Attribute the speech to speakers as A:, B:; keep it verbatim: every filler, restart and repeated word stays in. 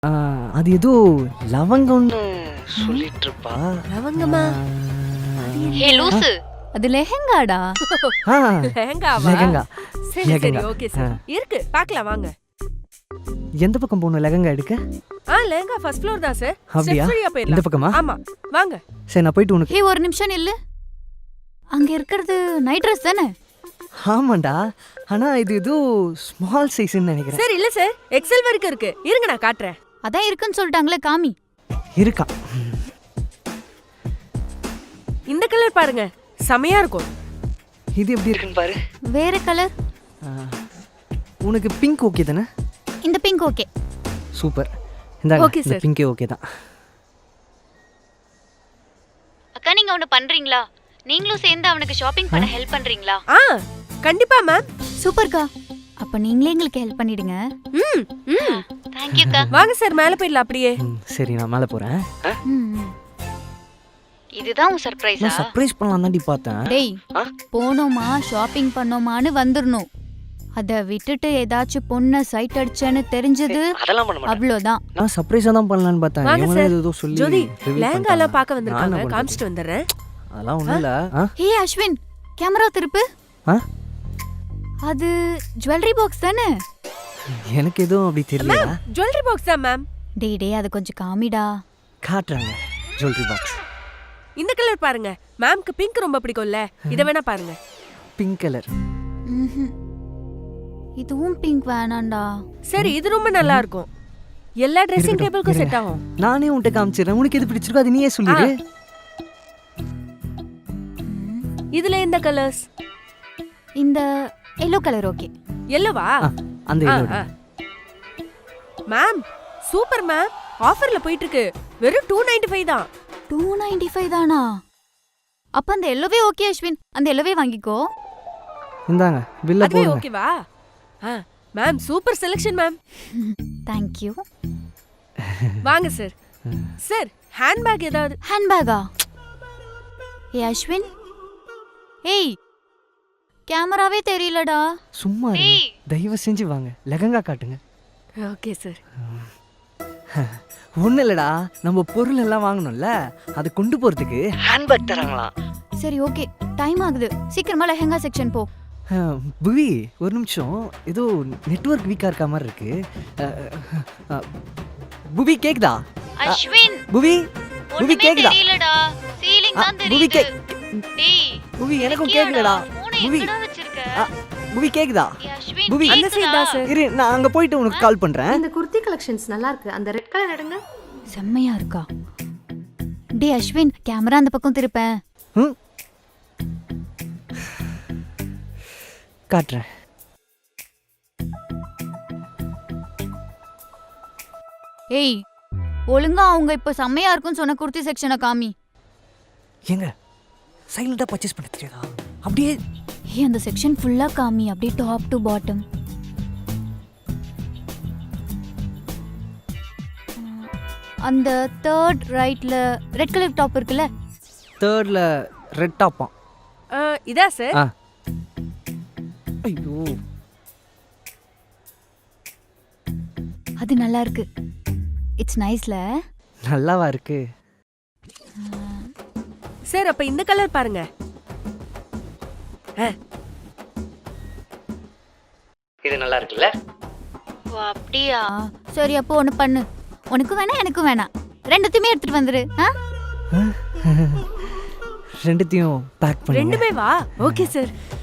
A: ஆ, அது ஏதோ லவங்கம்னு சொல்லிட்டு இருப்பா.
B: லவங்கமா?
C: ஹே லூசு, அது லெஹெங்காடா.
A: ஆ,
B: லெஹங்காவா?
A: லெஹங்கா.
B: சரி சரி
A: லெஹங்கா.
B: Okay sir. இருக்கு பார்க்கலாம் வாங்க.
A: எந்த பக்கம் போகணும் லெஹங்கா எடுக்க?
B: ஆ லெஹங்கா ஃபர்ஸ்ட் ஃப்ளோர் தான் சார்.
A: அப்படியா?
B: ஸ்டெப்ஸ் வழியா
A: இந்த
B: போயிடலாம்.
A: பக்கமா?
B: ஆமா வாங்க.
A: சரி நான் போயிட்டு உனக்கு.
C: ஹே ஒரு நிமிஷம் நில்லு. அங்க இருக்கிறது நைட் ட்ரெஸ் தானே?
A: ஆமாண்டா, ஆனா இது ஏதோ ஸ்மால் சைஸ்ன்னு நினைக்கிறேன்.
B: சார் இல்ல சார், எக்ஸல் வரைக்கும் இருக்கு. இருங்க நான் காட்டுறேன்.
C: அதான் இருக்குன்னு சொல்லிட்டாங்களே, காமி.
A: இருக்கா?
B: இந்த கலர் பாருங்க, செமையா இருக்கும்.
A: இது எப்படி இருக்குன்னு பாரு.
C: வேற கலர்?
A: உனக்கு பிங்க் ஓகே தானே?
C: இந்த பிங்க் ஓகே.
A: சூப்பர். இந்தாங்க,
B: Okay,
A: இந்த
B: sir.
A: பிங்கே ஓகே தான்.
C: அக்கா நீங்க ஒன்னு பண்றீங்களா? நீங்களும் சேர்ந்து அவனுக்கு ஷாப்பிங் பண்ண ஹெல்ப் பண்றீங்களா?
B: ஆ கண்டிப்பா மேம்.
C: சூப்பர்க்கா. அப்ப நீங்களே எங்களுக்கு ஹெல்ப் பண்ணிடுங்க.
B: ம் ம்
C: थैंक यू அக்கா.
B: வாங்க சார் மேலே போயிடலாம் அப்படியே.
A: ம், சரி நான் மேலே போகிறேன்.
C: இதுதான் உன் சர்ப்ரைஸா?
A: நான் சர்ப்ரைஸ் பண்ணலாம் தாண்டி பார்த்தேன்.
C: டேய்,
A: ஆ?
C: போனோமா ஷாப்பிங் பண்ணோமான்னு வந்துடணும். அத விட்டுட்டு ஏதாச்சும் பொண்ணை சைட் அடிச்சேன்னு தெரிஞ்சது
A: அதெல்லாம் பண்ண மாட்டேன்.
C: அவ்வளோதான்.
A: நான் சர்ப்ரைஸாக தான் பண்ணலான்னு பார்த்தேன்.
B: வாங்க
A: இவனே
B: சார்.
A: ஏதோ சொல்லி
B: ஜோதி
A: reveal
B: லெஹங்கா எல்லாம்
A: பண்ணிட்டாங்க.
B: பார்க்க
A: நான் என்ன
B: வந்திருக்காங்க.
A: பண்றது?
B: காமிச்சிட்டு வந்துடுறேன்.
A: அதெல்லாம் ஒன்றும் இல்லை. ஆ
C: ஹே அஸ்வின், கேமரா திருப்பு.
A: ஆ
C: அது ஜுவல்லரி பாக்ஸ் தானே?
A: எனக்கு எதுவும் அப்படி தெரியல.
B: ஜுவல்லரி பாக்ஸ் தான் மேம்.
C: டேய் டேய், அது கொஞ்சம் காமிடா.
A: காட்டுறாங்க ஜுவல்லரி பாக்ஸ்.
B: இந்த கலர் பாருங்க. மேம்க்கு பிங்க் ரொம்ப பிடிக்கும்ல, இத வேணா பாருங்க.
A: Pink colour.
C: ம்ஹும். இதுவும் பிங்க் வேணாண்டா.
B: சரி இது ரொம்ப நல்லா இருக்கும். எல்லா ட்ரெஸ்ஸிங்
A: இருக்கட்டும்,
B: டேபிளுக்கும்
A: இருங்க.
B: செட் ஆகும்.
A: நானே உன்கிட்ட காமிச்சிடுறேன். உனக்கு எது பிடிச்சிருக்கோ அது நீயே சொல்லிடு.
B: இதுல இந்த கலர்ஸ்.
C: இந்த எல்லோ கலர் ஓகே.
B: எல்லோவா?
A: ஆ, அந்த
B: ஆ,
A: yellow.
B: ஆ. Ma'am super ma'am. ஆஃபர்ல போயிட்டு இருக்கு. வெறும் டூ நைன்டி ஃபைவ் தான்.
C: டூ நைன்டி ஃபைவ் தானா? அப்ப அந்த எல்லோவே ஓகே அஸ்வின், அந்த எல்லோவே வாங்கிக்கோ.
A: இந்தாங்க பில்ல
B: அதுவே
A: போடுங்க.
B: ஓகேவா? ஆ ma'am super selection ma'am.
C: Thank you.
B: வாங்க சார். சார் ஹேண்ட்பேக் ஏதாவது?
C: ஹேண்ட்பேகா? ஏ அஸ்வின், ஏய் கேமராவே தெரியலடா.
A: சும்மா இருங்க. தயவு செஞ்சு வாங்க லெஹங்கா காட்டுங்க.
B: Okay sir.
A: ஒன்றும் இல்லைடா, நம்ம பொருள் எல்லாம் வாங்கணும்ல, அதை கொண்டு போகிறதுக்கு ஹேண்ட்பேக் தராங்களாம்.
C: சரி ஓகே, டைம் ஆகுது. சீக்கிரமா லெஹங்கா செக்ஷன் போ.
A: அஹ், புவி ஒரு நிமிஷம், ஏதோ நெட்வொர்க் வீக்காக இருக்க மாதிரி இருக்கு. அஹ், அஹ், புவி கேக்குதா?
C: அஸ்வின்,
A: புவி புவி கேக்குதா?
C: தெரியலடா. சீலிங்
A: ஆ,
C: தான்
A: புவி
C: தெரியுது.
A: கே
C: டேய்,
A: புவி எனக்கும் கேக்குலடா. புவி
C: எங்கடா வச்சிருக்க?
A: ஆ, புவி கேக்குதா?
C: ஏ அஸ்வின்,
A: புவி
B: அந்த சைடு தான் சார்.
A: இரு, நான் அங்க போயிட்டு உனக்கு கால் பண்றேன்.
D: இந்த குர்த்தி கலெக்ஷன்ஸ் நல்லா இருக்கு. அந்த ரெட் கலர் எடுங்க.
C: செம்மையா இருக்கா? டேய் அஸ்வின், கேமரா அந்த பக்கம் திருப்பேன்.
A: ம்? காட்டுறேன்.
C: ஏய், ஒழுங்கா அவங்க இப்ப செம்மையா இருக்குன்னு சொன்ன குர்த்தி செக்ஷனை காமி.
A: ஏங்க சைலண்டா பர்ச்சேஸ் பண்ண தெரியாதா? அப்படியே
C: ஏய், அந்த செக்ஷன் ஃபுல்லா காமி, அப்படியே டாப் டு பாட்டம். அந்த தேர்ட் ரைட்ல ரெட் கலர் டாப் இருக்குல்ல?
A: தேர்ட்ல ரெட் டாப்பா?
B: ஆ, இதா சார்?
A: ஆ. ஐயோ,
C: அது நல்லா இருக்கு. இட்ஸ் நைஸ்ல.
A: நல்லாவா இருக்கு?
B: சார் அப்ப இந்த கலர் பாருங்க.
A: இது நல்லா இருக்குல்ல?
C: ஓ அப்படியா? சரி அப்போ ஒன்று பண்ணு. உனக்கு வேணாம் எனக்கும் வேணாம், ரெண்டுத்தையுமே எடுத்துட்டு வந்துரு. ஆ?
A: ரெண்டுத்தையும் பேக் பண்ணுங்க.
B: ரெண்டுமே வா. Okay sir.